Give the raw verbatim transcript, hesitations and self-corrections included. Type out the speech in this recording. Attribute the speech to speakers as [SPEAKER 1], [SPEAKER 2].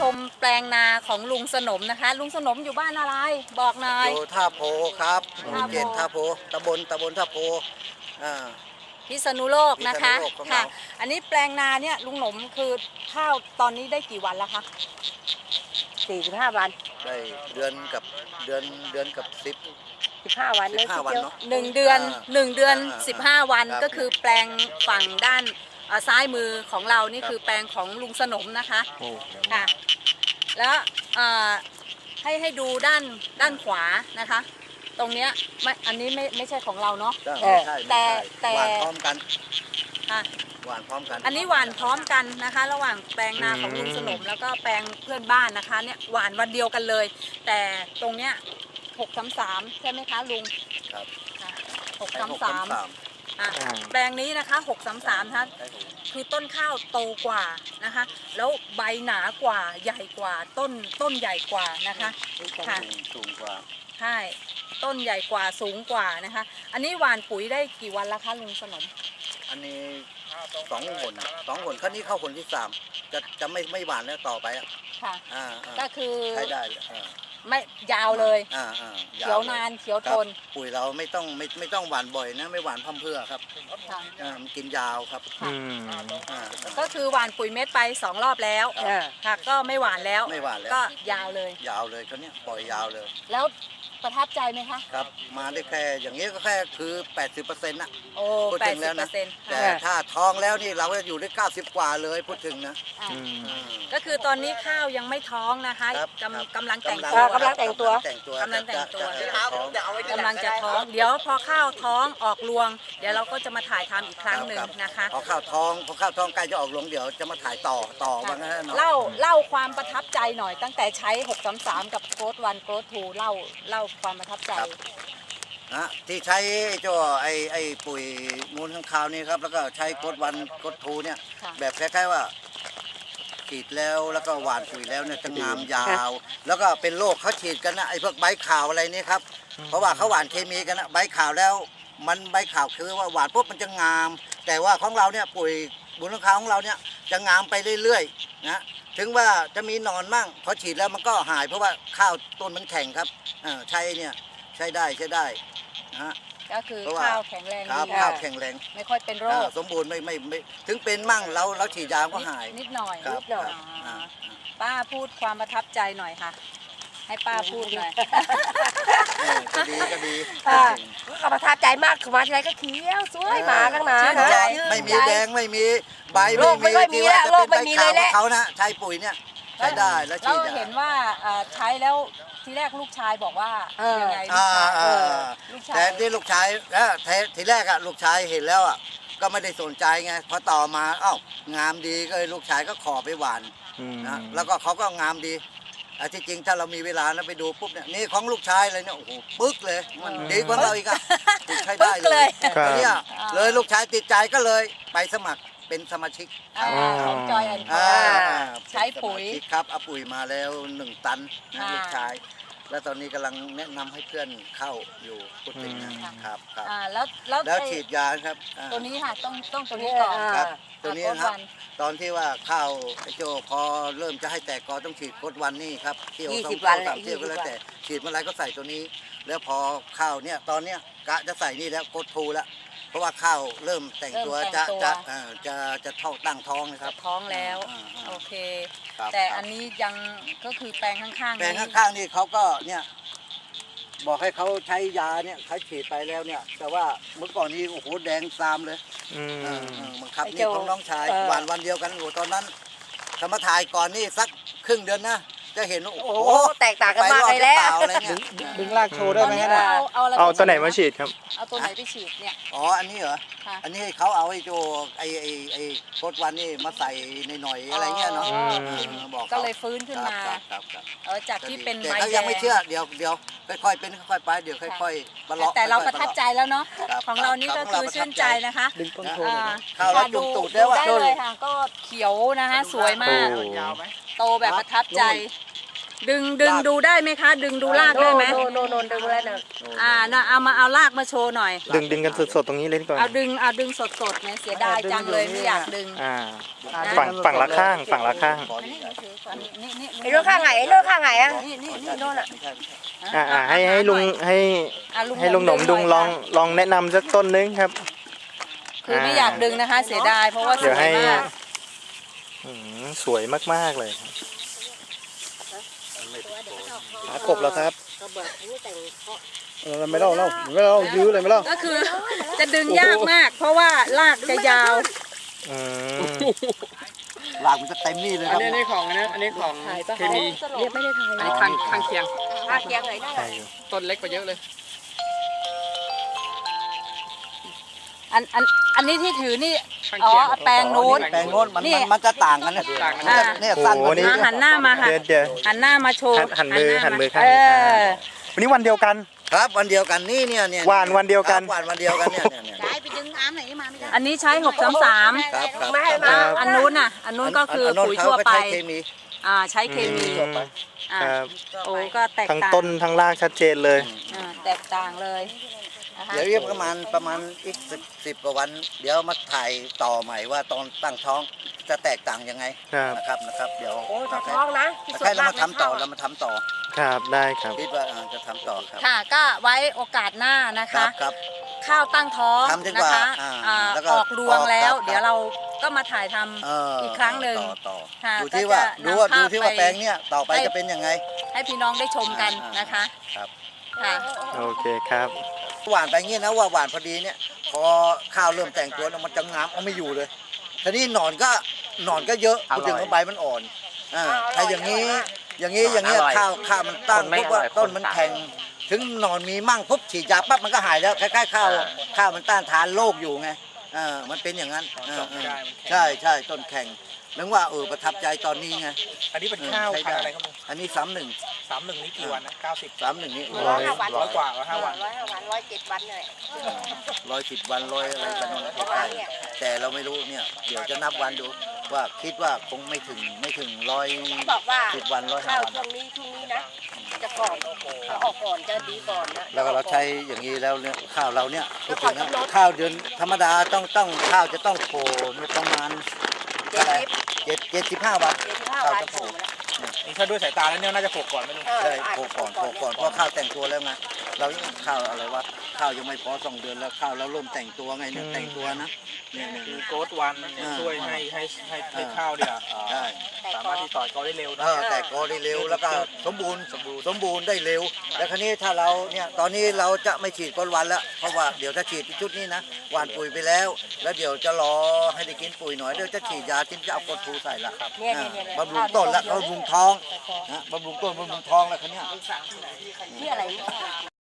[SPEAKER 1] มแปลงนาของลุงสนมนะคะลุงสนมอยู่บ้านอะไรบอกหน่อย
[SPEAKER 2] อยู่ท่าโพครับหมู่เจ็ดท่าโพตำบลตำบลท่าโพอ่า
[SPEAKER 1] พิษณุโลกนะคะ
[SPEAKER 2] พิษณุโลกของเรา
[SPEAKER 1] ค่ะอันนี้แปลงนาเนี่ยลุงหนมคือข้าวตอนนี้ได้กี่วันแล้วคะ
[SPEAKER 3] สี่สิบห้าวัน
[SPEAKER 2] ได้เดือนกับเดือนเดือนกับสิบ
[SPEAKER 3] สิบห้าวัน
[SPEAKER 2] สิบห้าวันเนาะ
[SPEAKER 1] หนึ่งเดือนหนึ่งเดือนสิบห้าวัน
[SPEAKER 2] ครับ
[SPEAKER 1] ก็คือแปลงฝั่งด้านซ้ายมือของเรานี่คือแปลงของลุงสนมนะคะค่ะแล้วให้ให้ดูด้านด้านขวานะคะตรงเนี้ยไม่อันนี้ไม่ไม่ใช่ของเราเนาะแต่แต่
[SPEAKER 2] หวานพร้อมกัน
[SPEAKER 1] ค่ะ
[SPEAKER 2] หวานพร้อมกัน
[SPEAKER 1] อันนี้หวานพร้อมกันนะคะระหว่างแปลงนาของลุงสนมแล้วก็แปลงเพื่อนบ้านนะคะเนี่ยหวานวันเดียวกันเลย แต่ตรงเนี้ยหกสามสามใช่ไหมคะลุง
[SPEAKER 2] ครับ
[SPEAKER 1] หกสามสามแปลงนี้นะคะหกสามสามท่านคือต้นข้าวโตกว่านะคะแล้วใบหนากว่าใหญ่กว่าต้นต้นใหญ่กว่านะคะค่ะ
[SPEAKER 2] สูงกว่า
[SPEAKER 1] ใช่ต้นใหญ่กว่าสูงกว่านะคะอันนี้หว่านปุ๋ยได้กี่วันแล้วคะลุงสนม
[SPEAKER 2] อันนี้สองหนสองหนครั้งนี้เข้าหนที่สามจะจะไม่ไม่หวานแล้วต่อไปอ่ะ
[SPEAKER 1] ค่ะก็คือ
[SPEAKER 2] ใช้ได้
[SPEAKER 1] ไม่ยาวเลย
[SPEAKER 2] เ
[SPEAKER 1] ขียวนานเขียวทน
[SPEAKER 2] ปุ๋ยเราไม่ต้องไม่ไม่ต้องหวานบ่อยนะไม่หวานพั่มเพื่อครับมันกินยาวครับ
[SPEAKER 1] ก็คือหวานปุ๋ยเม็ดไปสองรอบแล้วค่ะก็ไม่หวานแล้ว
[SPEAKER 2] ไม่หวานแล้ว
[SPEAKER 1] ก็ยาวเลย
[SPEAKER 2] ยาวเลยเขาเนี้ยปล่อยยาวเลย
[SPEAKER 1] แล้วประทับใจไหมคะ
[SPEAKER 2] ครับมาได้แค่อย่างนี้ก็แค่คือ แปดสิบเปอร์เซ็นต์ นะ
[SPEAKER 1] โอ้แปดสิบเปอร์เซ็นต์
[SPEAKER 2] แต่ถ้าท้องแล้วนี่เราจะอยู่ได้เก้าสิบกว่าเลยพูดถึงนะ
[SPEAKER 1] ก็คือตอนนี้ข้าวยังไม่ท้องนะคะกำกำลังแต่ง
[SPEAKER 3] ตัวกำลังแต่งตัว
[SPEAKER 1] กำลังแต่งตัวกำลังจะท้องเดี๋ยวพอข้าวท้องออกรวงเดี๋ยวเราก็จะมาถ่ายทำอีกครั้งหนึ่งนะคะ
[SPEAKER 2] พอข้าวท้องพอข้าวท้องใกล้จะออกรวงเดี๋ยวจะมาถ่ายต่อต่อว่างั้น
[SPEAKER 1] เล่าเล่าความประทับใจหน่อยตั้งแต่ใช้หกสามสามกับโค้ดวันโค้ดทูเล่าเล่าความประทับใจ
[SPEAKER 2] นะที่ใช้เจ้าไอไอปุ๋ยมูลข้างคาวนี่ครับแล้วก็ใช้โค้ดวันโค้ดทูเนี่ยแบบคล้ายๆว่าฉีดแล้วแล้วก็หว่านปุ๋ยแล้วเนี่ยจะงามยาวแล้วก็เป็นโรคเขาฉีดกันนะไอพวกใบขาวอะไรนี่ครับเพราะว่าเขาหว่านเคมีกันนะใบขาวแล้วมันใบขาวคือว่าหว่านปุ๊บมันจะงามแต่ว่าของเราเนี่ยปุ๋ยมูลข้างคาวของเราเนี่ยจะงามไปเรื่อยๆนะถึงว่าจะมีหนอนมั่งพอฉีดแล้วมันก็หายเพราะว่าข้าวต้นมันแข็งครับใช้เนี่ยใช้ได้ใช้ได้นะฮะ
[SPEAKER 1] ก็คือข้าวแข็งแรง
[SPEAKER 2] ดีข้าวแข็งแรง
[SPEAKER 1] ไม่ค่อยเป็นโรค
[SPEAKER 2] สมบูรณ์ไม่ไม่ไม่ถึงเป็นมั่งเราเราฉีดยาก็หาย
[SPEAKER 1] นิดหน่อยนิดหน่อยป้าพูดความประทับใจหน่อยค่ะให้ป้าพูดหน่อย
[SPEAKER 2] ก็ดีก็ดี
[SPEAKER 3] ก็ประทับใจมากคือมาทีไรก็เขียวสวยหมาข้างหน้า
[SPEAKER 2] ไม่มีแดงไม่มีใบไม่มีที่ว่าจะเป็นใบขาวเขานะใช้ปุ๋ยเนี่ยใช้ได้แล้วฉีด
[SPEAKER 1] เราเห็นว่าใช้แล้วทีแรกลูกชายบอกว่ายังไง
[SPEAKER 2] ลูกชายแต่ที่ลูกชายทีแรกอะลูกชายเห็นแล้วอะก็ไม่ได้สนใจไงพอต่อมาอ้าวงามดีก็เลยลูกชายก็ขอไปหวานนะแล้วก็เขาก็งามดีที่จริงถ้าเรามีเวลานะไปดูปุ๊บเนี่ยนี่ของลูกชายเลยเนี่ยโอ้โหปึ๊กเลยมันดีกว่าเราอีกอะใช้ได้เลยเนี่ยเลยลูกชายติดใจก็เลยไปสมัครเป็นสมาชิก
[SPEAKER 1] ของจอยแอนด์ใช้ปุ๋ย
[SPEAKER 2] ครับเอาปุ๋ยมาแล้วหนึ่งตันนะลูกชายแล้วตอนนี้กำลังแนะนำให้เพื่อนเข้าอยู่พูดถึงนะครับครับ
[SPEAKER 1] แล้ว
[SPEAKER 2] แล้วฉีดยาครับ
[SPEAKER 1] ตัวนี้ค่ะต้องต้องตัวนี้ก่อน
[SPEAKER 2] ครับตัวนี้ครับตอนที่ว่าข้าวไอโจพอเริ่มจะให้แตกกอต้องฉีดโคตรวันนี่ครับเที่ยวสองเที่ยวสามเที่ยวก็แล้วแต่ฉีดเมื่อไรก็ใส่ตัวนี้แล้วพอข้าวเนี่ยตอนเนี้ยกะจะใส่นี่แล้วโคตรทูแล้วเพราะว่าข้าวเริ่มแต่งตัวจะจะจะจะเท่าตั้งท้องนะครับ
[SPEAKER 1] ท้องแล้วโอเคแต่อันนี้ยังก็คือแปลงข้างๆ
[SPEAKER 2] แปลงข้างๆนี่เขาก็เนี่ยบอกให้เขาใช้ยาเนี่ยเขาฉีดไปแล้วเนี่ยแต่ว่าเมื่อก่อนนี้โอ้โหแดงซามเลยบังคับนี่ของน้องชายหวานวันเดียวกันโอ้ตอนนั้นธรรมถ่ายก่อนนี่สักครึ่งเดือนนะจะเห็นโอ้โห
[SPEAKER 3] แตกต่างกันมากเลยแล้ว
[SPEAKER 4] ดึงลากโชว์ได้ไหมฮะ
[SPEAKER 1] เอา
[SPEAKER 4] เอาตัวไหนมาฉีดครับ
[SPEAKER 1] เอาตัวไหนไปฉีดเนี่ย
[SPEAKER 2] อ๋ออันนี้เหรออันนี้เขาเอาไอ้โจไอ้ไอ้ไอ้โคตรวันนี่มาใส่ในหน่อยอะไรเงี้ยเนาะ
[SPEAKER 1] บอกก็เลยฟื้นขึ้นมาเออจากที่เป็น
[SPEAKER 2] ใบแดงแต่เขายังไม่เชื่อเดี๋ยวเดี๋ยวค่อยๆเป็นค่อยๆไปเดี๋ยวค่อยๆบรรลุ
[SPEAKER 1] แต่เราประทับใจแล้วเนาะของเรานี่ก็คือชื่นใจนะคะ
[SPEAKER 4] ดึงต้นโพ
[SPEAKER 2] ข้าวเราจุ่มตูดได้ว่า
[SPEAKER 1] ได้เลยค่ะก็เขียวนะคะสวยมากโตแบบประทับใจดึงดึงดูได้ไหมคะ ดึงดูรากได้ไหม
[SPEAKER 3] โนโนโนดึงแล้วนะ
[SPEAKER 1] อ่าน่ะเอามาเอารากมาโชว์หน่อย
[SPEAKER 4] ดึงดึงกันสดๆตรงนี้เลยดีกว่า
[SPEAKER 1] เอาดึงเอาดึงสดสดเนี่ยเสียดายจังเลยไม่อยากดึง
[SPEAKER 4] อ่าฝั่งฝั่งละข้างฝั่งละข้าง
[SPEAKER 1] นี่นี่
[SPEAKER 3] ไอ้โน่นข้างไหนไอ้โน่นข้างไหนอ่ะ
[SPEAKER 1] นี่นี่
[SPEAKER 3] ไอ้โน่นอ่ะ
[SPEAKER 4] อ่าอ่าให้ให้ลุงให้
[SPEAKER 1] อ่ะ
[SPEAKER 4] ให้ลุงหนมดุงลองลองแนะนำสักต้นนึงครับ
[SPEAKER 1] คือไม่อยากดึงนะคะ เสียดายเพราะว่าส
[SPEAKER 4] เดี๋ยว
[SPEAKER 1] วย
[SPEAKER 4] ให้
[SPEAKER 1] มาก
[SPEAKER 4] อืมสวยมากๆเลยหากบแล้วครับ
[SPEAKER 5] ไม่เล่าเล่าไม่เล่ายื้อเลยไม่เล่า
[SPEAKER 1] ก็คือจะดึงยากมาก เพราะว่ารากจะยาว
[SPEAKER 4] อืม
[SPEAKER 2] หลากมันจะเต็มนี่เลยค
[SPEAKER 6] อั
[SPEAKER 2] รั
[SPEAKER 6] น
[SPEAKER 2] บ
[SPEAKER 6] นี้อันนี้ของอันนี้อันนี้ของเคมี
[SPEAKER 3] เรียกไม่ได้ทาย
[SPEAKER 6] อันนี้ข้างข้างเคียง
[SPEAKER 3] ภาคยังไงได้
[SPEAKER 4] ใช่อยู่
[SPEAKER 6] ต้นเล็กกว่าเยอะเลย
[SPEAKER 1] อันอันอันนี้ที่ถือนี่
[SPEAKER 6] ข้าง
[SPEAKER 1] อ๋อ
[SPEAKER 6] เคียง
[SPEAKER 1] แปลงนู้น
[SPEAKER 2] แปลงโน้นมัน
[SPEAKER 1] นี่
[SPEAKER 2] มันมันจะต่างกันนะ
[SPEAKER 6] ต่างกัน
[SPEAKER 1] อ่า
[SPEAKER 2] เนี่ยสั้นกว่านี้
[SPEAKER 1] อ่ะหันหน้ามาค่ะ
[SPEAKER 4] เดี๋ยวเดี๋ยว
[SPEAKER 1] หันหน้ามาโชว์
[SPEAKER 4] หันหันมือหันมือข้าง
[SPEAKER 1] เอ
[SPEAKER 4] นี้
[SPEAKER 1] อ
[SPEAKER 4] วันนี้วันเดียวกัน
[SPEAKER 2] ครับวันเดียวกันนี่เนี่ยเนี่ย
[SPEAKER 4] หวานวันเดียวกัน
[SPEAKER 2] ครับหวานวันเดียวกันเนี่ยเนี่ยเนี่ย
[SPEAKER 1] อันนี้ใช้หกสามสาม
[SPEAKER 2] ครับครับ
[SPEAKER 3] ไม่ให้
[SPEAKER 1] อ่า
[SPEAKER 3] มา
[SPEAKER 1] อันนู้นน่ะ อันนู้นก็คือปุ๋ยทั่วไป
[SPEAKER 2] เขาก็ใช้เคมี
[SPEAKER 1] อ่าใช้เคมี
[SPEAKER 4] อืม
[SPEAKER 1] อ่า
[SPEAKER 4] ครับ
[SPEAKER 1] โอ้ก็แตก
[SPEAKER 4] ทั้ง
[SPEAKER 1] ต่าง
[SPEAKER 4] ต้นทั้งรากชัดเจนเลย
[SPEAKER 1] อ่าแตกต่างเลยนะคะ
[SPEAKER 2] เดี๋ยวอีกประมาณประมาณอีกสิบสิบกว่าวัน เดี๋ยวมาถ่ายต่อใหม่ว่าตอนตั้งท้องจะแตกต่างยังไง
[SPEAKER 4] ครับ
[SPEAKER 2] นะครับนะครับเดี๋ยว
[SPEAKER 3] โอ้จะท้องนะที่สุด
[SPEAKER 2] ใช่เรา
[SPEAKER 3] มาก
[SPEAKER 2] มาทำต่อเรามาทำต่อ
[SPEAKER 4] ครับได้ครับ
[SPEAKER 2] คิดว่าอ่าจะทำต่อครับ
[SPEAKER 1] ค่ะ ก็ไว้โอกาสหน้านะ
[SPEAKER 2] ครั
[SPEAKER 1] คะ
[SPEAKER 2] บครับ
[SPEAKER 1] ข้าวตั้งท้อง
[SPEAKER 2] ทำจน
[SPEAKER 1] นะ
[SPEAKER 2] กว่า
[SPEAKER 1] คะ
[SPEAKER 2] อ่า
[SPEAKER 1] อ่า
[SPEAKER 2] แล้วก็
[SPEAKER 1] ออกรวงแล้ว
[SPEAKER 2] ออกครับ
[SPEAKER 1] เดี๋ยวเราก็มาถ่ายทำ
[SPEAKER 2] เออ
[SPEAKER 1] อีกครั้งหนึ่ง
[SPEAKER 2] ต่อต่อ
[SPEAKER 1] ค่ะ
[SPEAKER 2] ดูที่ว่า
[SPEAKER 1] ก็จะ
[SPEAKER 2] ดูว่า
[SPEAKER 1] นำภาพ
[SPEAKER 2] ดูที่ว่า
[SPEAKER 1] ไป
[SPEAKER 2] แปลงเนี่ยต่อไป
[SPEAKER 1] ให้
[SPEAKER 2] จะเป็นยังไง
[SPEAKER 1] ให้พี่น้องได้ชมกัน
[SPEAKER 2] อ่าน
[SPEAKER 1] นะคะ
[SPEAKER 2] ครับ
[SPEAKER 1] ค่ะ
[SPEAKER 4] โอเคครับ
[SPEAKER 2] หวานไปงี้นะว่าหวานพอดีเนี่ยพอข้าวเริ่มแต่งตัวแล้วมันจะงามเอาไม่อยู่เลยทีนี้หนอนก็หนอนก็เยอะพูดถึงว่าใบมันอ่อนอ่าถ้าอย่างนี้อย่างนี้อย่างเงี้ยข้าวข้าวมันตั้งปุ๊บว่าต้นมันแข็งถึงหนอนมีมั่งปุ๊บฉีดยาปั๊บมันก็หายแล้วคล้ายๆข้าวข้าวมันต้านทานโรคอยู่ไงอ่ามันเป็นอย่างนั้นอ่าอ่าใช่ใช่ต้นแข็งนึกว่าเออประทับใจตอนนี้ไง
[SPEAKER 6] อันนี้เป็นข้าวพันธุ์อะไรครับลุง
[SPEAKER 2] อันนี้สามหนึ่ง
[SPEAKER 6] สามหนึ่งนี่กี่วันนะเก้าสิบ
[SPEAKER 2] สามหนึ่งนี่
[SPEAKER 3] ร้อยห้าวัน
[SPEAKER 6] ร้อยกว่าร้อยห้าวัน
[SPEAKER 3] ร้อยห้าวันร้อยเจ็ดวันเลย
[SPEAKER 2] ร้อยสิบวันร้อยอะไรกันนั่นแหละใกล้ๆแต่เราไม่รู้เนี่ยเดี๋ยวจะนับวันดูว่าคิดว่าคงไม่ถึงไม่ถึงร้อย
[SPEAKER 3] บอกว่า
[SPEAKER 2] สิบวันร้อยห้า
[SPEAKER 3] ข้าว
[SPEAKER 2] วัน
[SPEAKER 3] ช่วงนี้ช่วงนี้นะจะก่อนจะออกก่อนจะดีก่อนนะ
[SPEAKER 2] แล้วก็เราใช้อย่างนี้แล้วเนี่ยข้าวเราเนี่ยพูดถึงนะข้าวเดือนธรรมดาต้องต้องข้าวจะต้องโผล่ประมาณ
[SPEAKER 3] เจ็ดสิบ
[SPEAKER 2] เจ็ดเจ็ดสิบห้าวัน
[SPEAKER 3] เจ็ดสิบห้า
[SPEAKER 2] ข้าว
[SPEAKER 3] วัน
[SPEAKER 2] จะ
[SPEAKER 3] ถู
[SPEAKER 2] โผล่
[SPEAKER 3] กแล้ว
[SPEAKER 6] นี่ถ้าด้วยสายตาแล้วเนี่ยน่าจะโผล่ก่อนไหมลุง
[SPEAKER 3] เออ
[SPEAKER 2] ใช่
[SPEAKER 3] อาจ
[SPEAKER 2] โผล่
[SPEAKER 3] จะ
[SPEAKER 2] ก่อนโผล่ก่อนเพราะข้าวแต่งตัวแล้วไงเรายังข้าวอะไรวะข้าวยังไม่พอสองเดือนแล้วข้าวเราเริ่มแต่งตัวไงเนี่ยแต่งตัวนะเนี่ยเนี่ย
[SPEAKER 6] คือโกดวันเนี่ยช่วยให้ให้ให้ให้ข้าวเนี่ยเอ่อ
[SPEAKER 2] ใช่
[SPEAKER 6] สามารถที่ต่อยกอได้เร็ว
[SPEAKER 2] เอ
[SPEAKER 6] นะ
[SPEAKER 2] อแต่กอได้เร็วแล้วก็สมบูรณ์สมบูรณ์สมบูรณ์ได้เร็ว แล้วคราวนี้ถ้าเราเนี่ยตอนนี้เราจะไม่ฉีดก้นวันแล้วเพราะว่าเดี๋ยวถ้าฉีดชุดนี้นะหว่านปุ๋ยไปแล้ว แล้วเดี๋ยวจะรอให้ได้กินปุ๋ยหน่อยเดี๋ยวจะฉีดยาที่จะเอากดทูใส่ละครับ
[SPEAKER 3] เนี่ย
[SPEAKER 2] อ่า
[SPEAKER 3] เนี่ยเนี่ย
[SPEAKER 2] บำรุงต้นและบำรุงท้องนะบำรุงต้นบำรุงท้องแล้วคราวเนี้ย
[SPEAKER 3] ที่อะไร